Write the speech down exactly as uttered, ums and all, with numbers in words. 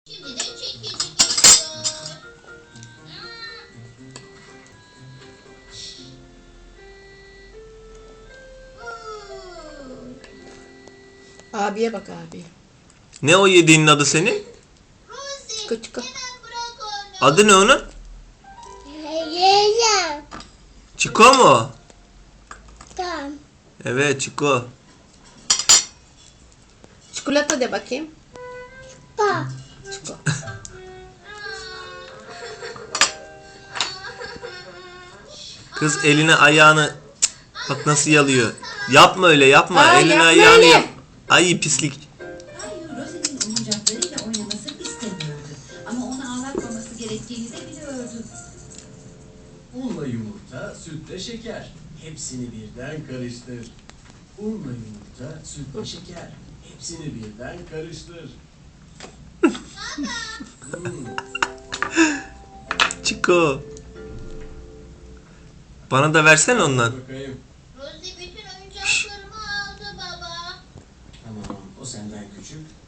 Şimdi de çekici geliyor. Abiye bak abi. Ne o yediğinin adı senin? Rosie, Çıkı çıkı. hemen bırak onu. Adı ne onun? Yiyeceğim. Çiko mu? Tamam. Evet, Çiko. Çikolata de bakayım. Bak. Çiko. Kız eline ayağını bak nasıl yalıyor. Yapma öyle, yapma. Aa, eline yapma ayağını öyle. yap. Ay pislik. Kayu Rosie'nin oyuncaklarıyla oynamasını istemiyordu. Ama onu ağlatmaması gerektiğini de biliyordu. Unla yumurta, sütle şeker. Hepsini birden karıştır. Unla yumurta, sütle şeker. Hepsini birden karıştır. Hmm, Çiko. Bana da versene ondan. bakayım. Rosie bütün oyuncaklarımı aldı baba. Tamam, o senden küçük,